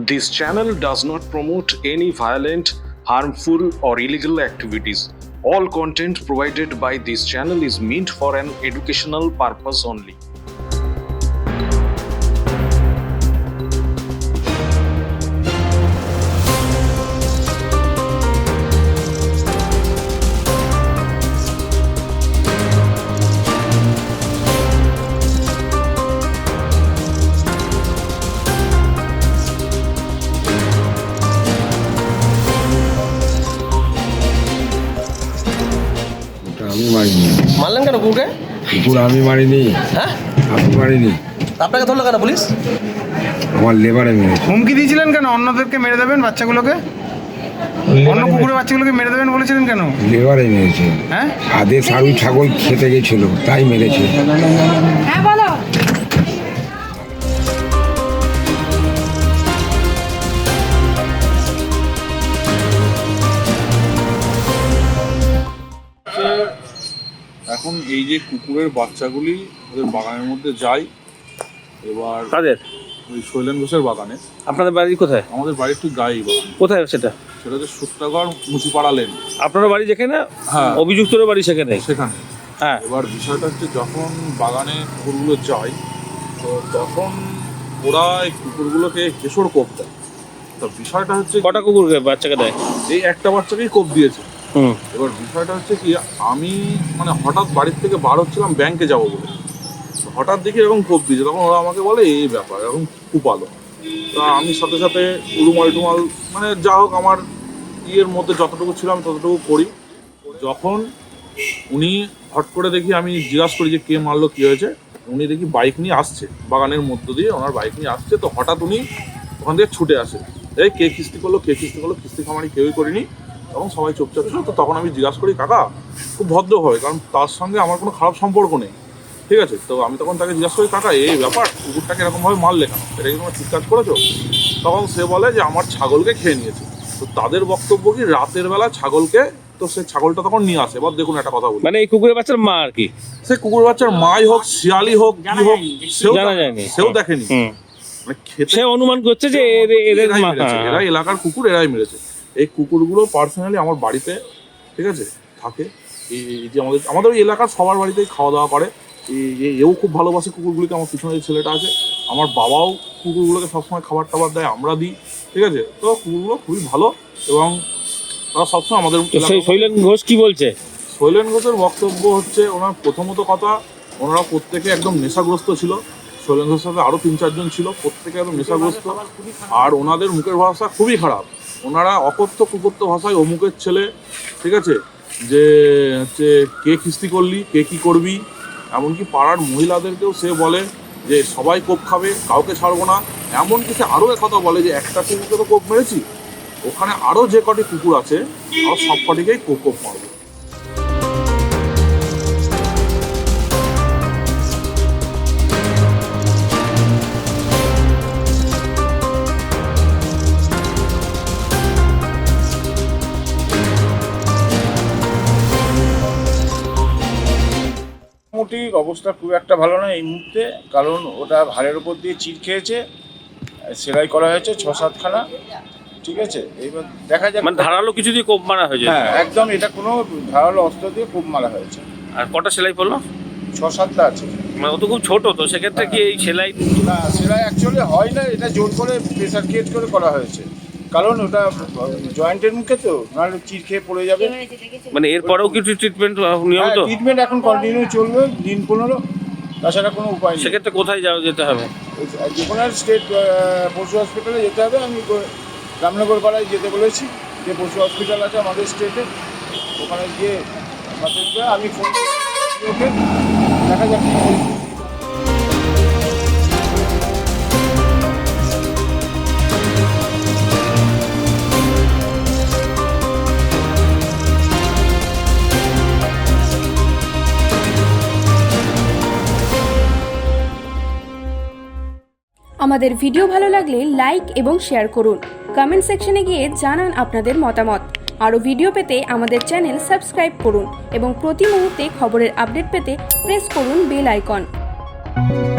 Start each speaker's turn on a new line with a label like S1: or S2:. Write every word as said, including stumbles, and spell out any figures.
S1: This channel does not promote any violent, harmful, or illegal activities. All content provided by this channel is meant for an educational purpose only.
S2: আমি মারিনি।
S3: মারলেন কেন কুকুরকে?
S2: কুকুর আমি মারিনি।
S3: হ্যাঁ,
S2: আপনি মারিনি।
S3: আপনাকে ধরলো কেন পুলিশ?
S2: আমার লেবারে মেরেছে।
S4: হুমকি দিয়েছিলেন কেন? অন্যদেরকে মেরে দেবেন বাচ্চাগুলোকে? অন্য কুকুরের বাচ্চাগুলোকে মেরে দেবেন বলেছিলেন কেন?
S2: লেবারে মেরেছে।
S4: হ্যাঁ,
S2: আদে সারু ছাগল খেতে গেছিল তাই মেরেছে।
S5: হ্যাঁ বলো।
S6: এখন এই যে কুকুরের বাচ্চাগুলি ওদের বাগানের মধ্যে যায়, এবার
S7: কাদের?
S6: ওই শৈলেন ঘোষের বাগানে।
S7: আপনাদের বাড়ি কোথায়?
S6: আমাদের বাড়ি একটু গায়ে বাগান।
S7: কোথায় সেটা?
S6: সেটা হচ্ছে সূত্রাগড় মুচিপাড়া লেন।
S7: আপনার বাড়ি যেখানে?
S6: হ্যাঁ,
S7: অভিযুক্তর বাড়ি সেখানে।
S6: সেখানে।
S7: হ্যাঁ,
S6: এবার বিষয়টা হচ্ছে যখন বাগানে কুকুরগুলো যায় তো তখন ওরা এই কুকুরগুলোকে কেশর কোপ দেয়। তো বিষয়টা হচ্ছে
S7: কটা কুকুরকে বাচ্চাকে দেয়?
S6: এই একটা বাচ্চাকেই কোপ দিয়েছে।
S7: হুম।
S6: এবার বিষয়টা হচ্ছে কি, আমি মানে হঠাৎ বাড়ির থেকে বার হচ্ছিলাম ব্যাংকে যাবো বলে, হঠাৎ দেখি এরকম কোপ দিয়েছে। তখন ওরা আমাকে বলে এই ব্যাপার, এরকম কুপালো। তা আমি সাথে সাথে উড়ুমাল টুমাল মানে যা হোক আমার ইয়ের মধ্যে যতটুকু ছিল আমি ততটুকু করি। যখন উনি হট করে দেখি, আমি জিজ্ঞাসা করি যে কে মারলো, কী হয়েছে। উনি দেখি বাইক নিয়ে আসছে, বাগানের মধ্য দিয়ে ওনার বাইক নিয়ে আসছে। তো হঠাৎ উনি ওখান থেকে ছুটে আসে, এই কে কিস্তি করলো, কে কিস্তি করলো, কিস্তি খামারি কেউই করিনি। তখন সবাই চুপচাপ ছিল। তো তখন আমি জিজ্ঞাসা করি কাকা খুব ভদ্রভাবে, কারণ তার সঙ্গে আমার কোনো খারাপ সম্পর্ক নেই, ঠিক আছে। তো আমি তখন তাকে জিজ্ঞাসা করি কাকা এই ব্যাপার, কুকুরটাকে এরকমভাবে মারলে কেন, এটা কি তোমার ঠিক কাজ করেছো? তখন সে বলে যে আমার ছাগলকে খেয়ে নিয়েছে। তো তাদের বক্তব্য কি রাতের বেলা ছাগলকে, তো সে ছাগলটা তখন নিয়ে আসে। এবার দেখুন একটা কথা বলি,
S7: মানে এই কুকুরের বাচ্চার মা আর কি,
S6: সে কুকুর বাচ্চার মাই হোক, শিয়ালি হোক, কি হোক, সেও
S7: জানা যায়নি,
S6: সেও দেখেনি। মানে খেতে
S7: সে অনুমান করছে যে এদের এদের
S6: এরাই
S7: মা।
S6: মেরেছে, এরা এলাকার কুকুর, এরাই মেরেছে। এই কুকুরগুলো পার্সোনালি আমার বাড়িতে, ঠিক আছে, থাকে। এই এই যে আমাদের আমাদের ওই এলাকার সবার বাড়িতেই খাওয়া দাওয়া করে। এই এও খুব ভালোবাসে কুকুরগুলিকে। আমার পিছনে যে ছেলেটা আছে, আমার বাবাও কুকুরগুলোকে সবসময় খাবার টাবার দেয়, আমরা দিই, ঠিক আছে। তো কুকুরগুলো খুবই ভালো এবং তারা সবসময় আমাদের।
S7: সেই শৈলেন ঘোষ কি বলছে?
S6: শৈলেন ঘোষের বক্তব্য হচ্ছে, ওনার প্রথমত কথা, ওনারা প্রত্যেকে একদম নেশাগ্রস্ত ছিল। শৈলেন ঘোষের সাথে আরও তিন চারজন ছিল, প্রত্যেকে একদম নেশাগ্রস্ত। আর ওনাদের মুখের ভাষা খুবই খারাপ। ওনারা অকথ্য কুকথ্য ভাষায় অমুকের ছেলে, ঠিক আছে, যে হচ্ছে কে কিস্তি করলি, কে কী করবি। এমনকি পাড়ার মহিলাদেরকেও সে বলে যে সবাই কোপ খাবে, কাউকে ছাড়বো না। এমনকি সে আরও একথা বলে যে একটা কুকুরকে তো কোপ মেরেছি, ওখানে আরও যে কটি কুকুর আছে আরও সব কটিকেই কোপ কোপ মারবে।
S8: মোটামুটি অবস্থা খুব একটা ভালো না এই মুহূর্তে, কারণ ওটা ভাড়ের উপর দিয়ে চির খেয়েছে, সেলাই করা হয়েছে ছ সাতখানা, ঠিক আছে। এইবার দেখা যাক।
S7: মানে ধারালো কিছু দিয়ে কোপ মারা হয়েছে?
S8: হ্যাঁ একদম, এটা কোনো ধারালো অস্ত্র দিয়ে কোপ মারা হয়েছে।
S7: আর কটা সেলাই পড়লো?
S8: ছ সাতটা আছে।
S7: মানে ও তো খুব ছোট, তো সেক্ষেত্রে কি এই সেলাই?
S8: না, সেলাই অ্যাকচুয়ালি হয় না, এটা জোর করে প্রেসার ক্রিয়েট করে করা হয়েছে, কারণ ওটা জয়েন্টের মুখে, তো নাহলে চির খেয়ে পড়ে যাবে।
S7: মানে এরপরেও কিছু ট্রিটমেন্ট নিয়মিত?
S8: ট্রিটমেন্ট এখন কন্টিনিউ চলবে দিন পনেরো, তাছাড়া কোনো উপায় নেই।
S7: সেক্ষেত্রে কোথায় যাও যেতে হবে?
S8: যে কোনো স্টেট পশু হসপিটালে যেতে হবে। আমি রামনগর পাড়ায় যেতে বলেছি, যে পশু হসপিটাল আছে আমাদের স্টেটে, ওখানে গিয়ে আমি ফোন ওকে দেখা যাক।
S5: আমাদের ভিডিও ভালো লাগলে লাইক এবং শেয়ার করুন। কমেন্ট সেকশনে গিয়ে জানান আপনাদের মতামত। আরও ভিডিও পেতে আমাদের চ্যানেল সাবস্ক্রাইব করুন এবং প্রতি মুহূর্তে খবরের আপডেট পেতে প্রেস করুন বেল আইকন।